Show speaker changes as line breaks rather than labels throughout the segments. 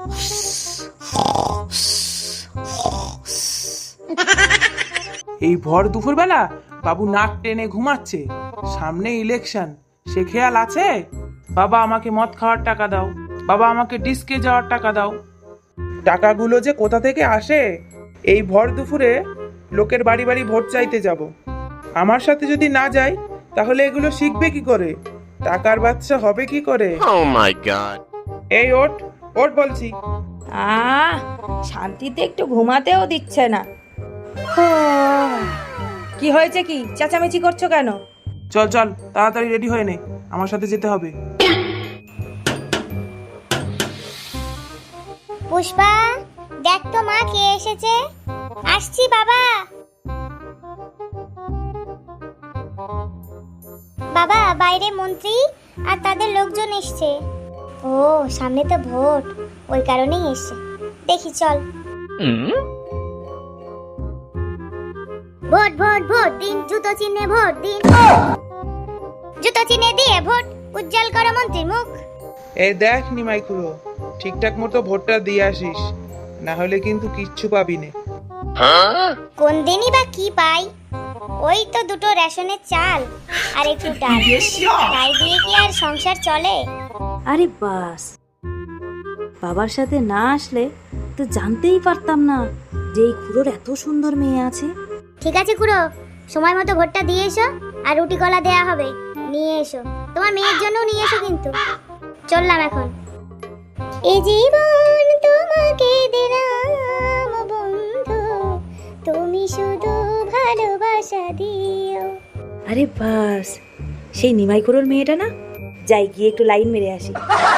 এই ভর দুপুরবেলা বাবু নাক টেনে ঘুমাচ্ছে, সামনে ইলেকশন, সে খেয়াল আছে? বাবা আমাকে মদ খাওয়ার টাকা দাও, বাবা আমাকে ডিস্কে যাওয়ার টাকা দাও। টাকাগুলো যে কোথা থেকে আসে? এই ভর দুপুরে লোকের বাড়ি বাড়ি ভোট চাইতে যাব। আমার সাথে যদি না যাই তাহলে এগুলো শিখবে কি করে? টাকার বাচ্চা হবে কি করে?
Oh my god!
এই ওঠ ওঠ বলছি।
শান্তিতে একটু ঘুমাতেও দিচ্ছে না। কি হয়েছে, কি চেঁচামেচি করছো কেন?
চল চল তাড়াতাড়ি রেডি হয়ে নে, আমার সাথে যেতে হবে।
পুষ্পা, দেখ তো মা কে এসেছে। আসছি বাবা। বাবা, বাইরে মন্ত্রী আর তাদের লোকজন এসছে। ও, সামনে তো ভোট, ওই কারণেই এসছে। দেখি চল। ভোট ভোট ভোট দিন, জুতো চিহ্নে ভোট দিন। জুতো চিহ্নে দিয়ে ভোট উজ্জ্বল করো মন্ত্রীর মুখ।
এই দেখ নিমাই খুড়ো, ঠিকঠাক মতো ভোটটা দিয়ে আসিস, না হলে কিন্তু কিচ্ছু পাবি না।
কোন দিনই বা কি পাই? ওই তো দুটো রেশনের চাল আর একটু ডাল, তাই দিয়ে কি আর সংসার চলে?
আরে বাস, বাবার সাথে না আসলে তো জানতেই পারতাম না যে এই খুড়োর এত সুন্দর মেয়ে আছে।
ঠিক আছে খুড়ো, সময় মতো ভোটটা দিয়ে এসো, আর রুটি কলা দেয়া হবে, নিয়ে এসো। তোমার মেয়ের জন্যও নিয়ে এসো কিন্তু। চললাম এখন। এই জীবন তোমাকে দিলাম বন্ধু, তুমি শুধু ভালোবাসা দিও।
আরে বাস, সেই নিমাই খুড়োর মেয়েটা না? যাই গিয়ে একটু লাইন মেরে আসি।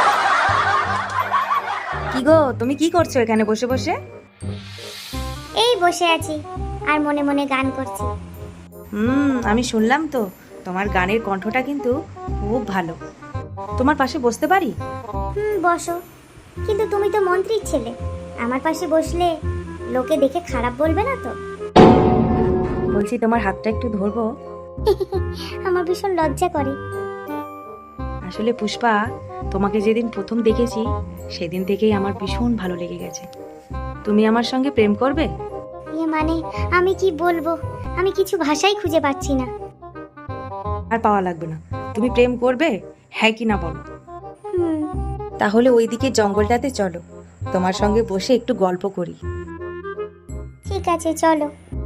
কি গো, তুমি কি করছো এখানে বসে বসে?
এই বসে আছি আর মনে মনে গান করছি।
আমি শুনলাম তো, তোমার গানের কণ্ঠটা কিন্তু খুব ভালো। তোমার পাশে বসতে পারি?
বসো, কিন্তু তুমি তো মন্ত্রীর ছেলে, আমার পাশে বসলে লোকে দেখে খারাপ বলবে না তো?
বলছি তোমার হাতটা একটু ধরবো?
আমার ভীষণ লজ্জা করে।
আসলে পুষ্পা, তোমাকে যেদিন প্রথম দেখেছি সেদিন থেকেই আমার ভীষণ ভালো লেগে গেছে। তুমি আমার সঙ্গে প্রেম করবে?
মানে আমি কি বলবো, আমি কিছু ভাষাই খুঁজে পাচ্ছি না।
আর পাওয়া লাগবে না, তুমি প্রেম করবে, হ্যাঁ কি না বলো। তাহলে ওইদিকে জঙ্গলটাতে চলো, তোমার সঙ্গে বসে একটু গল্প করি।
ঠিক আছে চলো।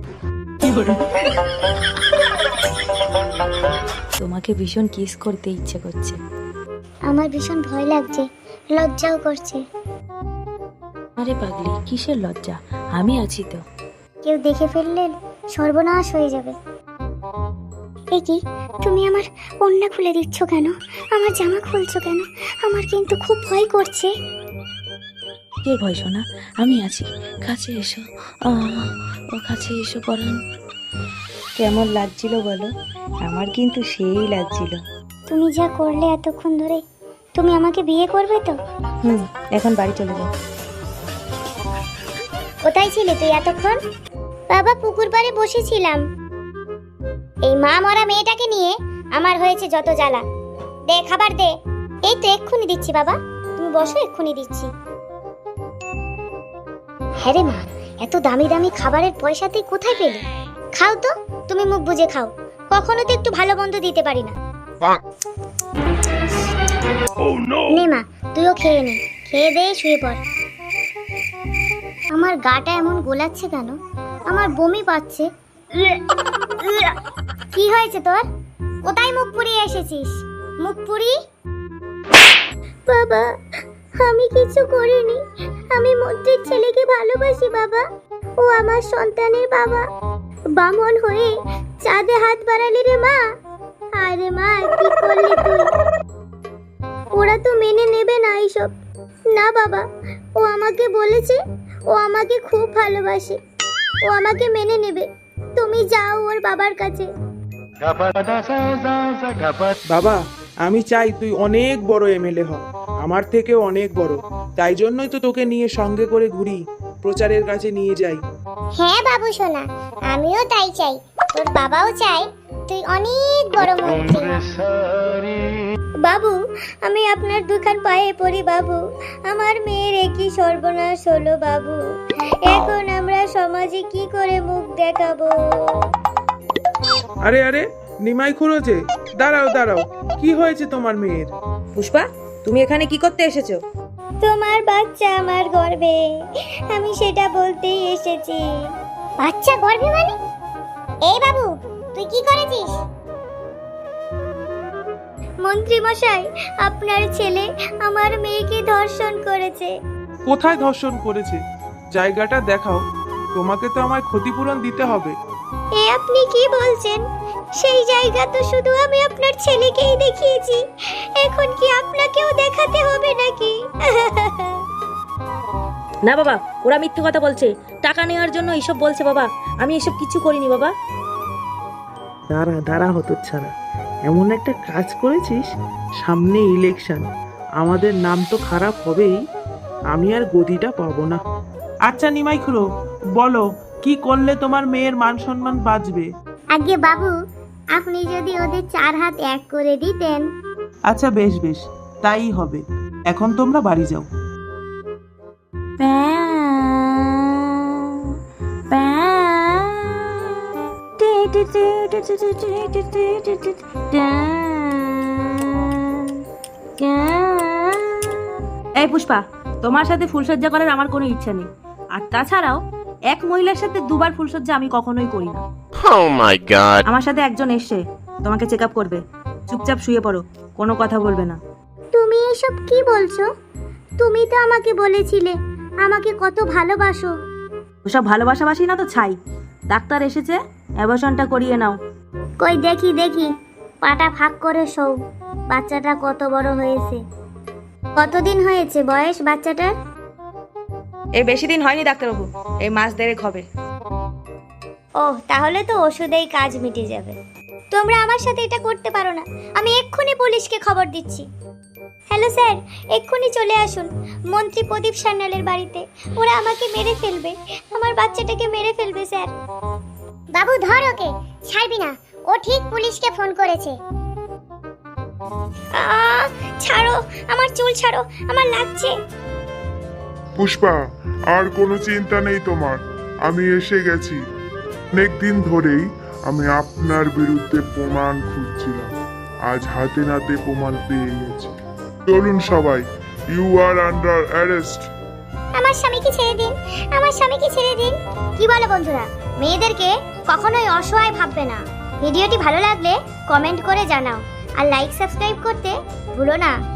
তোমাকে ভীষণ কিস করতে ইচ্ছে করছে।
আমার ভীষণ ভয় লাগছে, লজ্জাও করছে।
আরে পাগলি, কিসের লজ্জা, আমি আছি তো।
কেউ দেখে ফেললে সর্বনাশ হয়ে যাবে। এই কি, তুমি আমার ওড়না খুলে দিচ্ছ কেন? আমার জামা খুলছো কেন? আমার কিন্তু খুব ভয় করছে।
কে ভয় শোনা, আমি আছি, কাছে এসো। ও কাছে এসো পরাণ। কেমন লাগছিল বলো? আমার কিন্তু সেই লাগছিল।
তুমি যা করলে এতক্ষণ ধরে, তুমি আমাকে বিয়ে করবে তো?
এখন বাড়ি চলে যাও।
কোথায় ছিলে তুই এতক্ষণ? বাবা, পুকুর পাড়ে বসেছিলাম। এই মা মরা মেয়েটাকে নিয়ে আমার হয়েছে যত জ্বালা। দে খাবার দে। এই তো এক্ষুনি দিচ্ছি বাবা, তুমি বসো, এক্ষুনি দিচ্ছি। হ্যাঁ রে মা, এত দামি দামি খাবারের পয়সা তুই কোথায় পেলি? খাও তো, তুমি মুখ বুজে খাও, কখনো তো একটু ভালো মন্দ দিতে পারি না। নে মা, তুইও খেয়ে নে, খেয়ে দে শুয়ে পড়। আমার গাটা এমন গোলাচ্ছে কেন? আমার বমি পাচ্ছে। কি হয়েছে তোর? কোথায় মুখ পুড়িয়ে এসেছিস? মুখ পুরি? বাবা, আমি কিছু করিনি, আমি মন্ত্রীর ছেলেকে ভালোবাসি বাবা। ও আমার সন্তানের বাবা। বামন হয়ে চাঁদে হাত বাড়ালি রে মা। আরে মা, কি করলি তুই? ওরা তো মেনে নেবে না এইসব। না বাবা, ও আমাকে বলেছে ও আমাকে খুব ভালোবাসে, ও আমাকে মেনে নেবে। তুমি যাও ওর বাবার কাছে।
বাবা, আমি চাই তুই অনেক বড় এমএলএ হ, আমার থেকেও অনেক বড়। তাই জন্যই তো তোকে নিয়ে সঙ্গে করে ঘুরি, প্রচারের কাছে নিয়ে যাই।
হ্যাঁ বাবু সোনা, আমিও তাই চাই, তোর বাবাও চাই তুই অনেক বড় মন্ত্রী। বাবু, আমি আপনার দুখান পায়ে পড়ি বাবু। আমার মেয়ের একই সর্বনাশ হলো বাবু। এখন আমরা সমাজে কি করে মুখ দেখাবো?
আরে আরে, নিমাই খুড়ো যে, দাঁড়াও দাঁড়াও, কি হয়েছে তোমার মেয়ের?
পুষ্পা, তুমি এখানে কি করতে এসেছো?
তোমার বাচ্চা আমার গর্ভে, আমি সেটা বলতেই এসেছি। বাচ্চা গর্ভে মানে? এই বাবু, তুই কি করেছিস? মন্ত্রী মশাই, আপনার ছেলে আমার মেয়েকে ধর্ষণ করেছে।
কোথায় ধর্ষণ করেছে? জায়গাটা দেখাও, তোমাকে তো আমায় ক্ষতিপূরণ দিতে হবে।
এ আপনি কি বলছেন? সেই জায়গা তো শুধু আমি আপনার ছেলেকেই দেখিয়েছি, এখন কি আপনাকেও দেখাতে হবে নাকি?
না বাবা, ওরা মিথ্যে কথা বলছে, টাকা নেওয়ার জন্য এইসব বলছে বাবা। আমি এসব কিছু করিনি বাবা।
দাঁড়া দাঁড়া হতো ছাড়া, এমন একটা কাজ করেছিস, সামনে ইলেকশন, আমাদের নাম তো খারাপ হবেই, আমি আর গদিটা পাবো না। আচ্ছা নিমাই খুড়ো, বলো কি করলে তোমার মেয়ের মান সম্মান বাঁচবে?
আগে বাবু, আপনি যদি ওদের 4 হাত এক করে দিতেন।
আচ্ছা বেশ বেশ, তাই হবে। এখন তোমরা বাড়ি যাও।
এই পুষ্পা, তোমার সাথে ফুলসজ্জা করার আমার কোনো ইচ্ছা নেই। আর তাছাড়াও এক মহিলার সাথে দুবার ফুলসজ্জা আমি কখনোই করি না।
Oh my god.
আমার সাথে একজন এসছে, তোমাকে চেক আপ করবে। চুপচাপ শুয়ে পড়ো, কোনো কথা বলবে না।
তুমি এসব কি বলছো? তুমি তো আমাকে বলেছিলে আমাকে কত ভালোবাসো।
ওসব ভালোবাসাবাসি না তো ছাই। ডাক্তার এসেছে, অ্যাবর্শনটা করিয়ে নাও।
কই দেখি দেখি, পাটা ফাঁক করে শোও। বাচ্চাটা কত বড় হয়েছে? কতদিন হয়েছে বয়স বাচ্চাটার?
এই বেশি দিন হয়নি ডাক্তারবাবু, এই মাস দেড়েক হবে।
ও, তাহলে তো ওষুধেই কাজ মিটে যাবে। তোমরা আমার সাথে এটা করতে পারো না। আমি এক্ষুনি পুলিশকে খবর দিচ্ছি। হ্যালো স্যার, এক্ষুনি চলে আসুন মন্ত্রী প্রদীপ সান্যালের বাড়িতে। ওরা আমাকে মেরে ফেলবে, আমার বাচ্চাটাকে মেরে ফেলবে স্যার। বাবু ধর ওকে, ছাড়বি না, ও ঠিক পুলিশকে ফোন করেছে। ছাড়ো, আমার চুল ছাড়ো, আমার লাগছে।
পুষ্পা, আর কোনো চিন্তা নেই তোমার, আমি এসে গেছি। অনেক দিন ধরেই আমি আপনার বিরুদ্ধে প্রমাণ খুঁজছিলাম, আজ হাতে নাতে প্রমাণ পেয়ে গেছি। চলুন সবাই, ইউ আর আন্ডার অ্যারেস্ট।
আমার স্বামীকে ছেড়ে দিন, আমার স্বামীকে ছেড়ে দিন। কি বলো বন্ধুরা, মেয়েদেরকে কখনোই অসহায় ভাববে না। ভিডিওটি ভালো লাগলে কমেন্ট করে জানাও, আর লাইক সাবস্ক্রাইব করতে ভুলো না।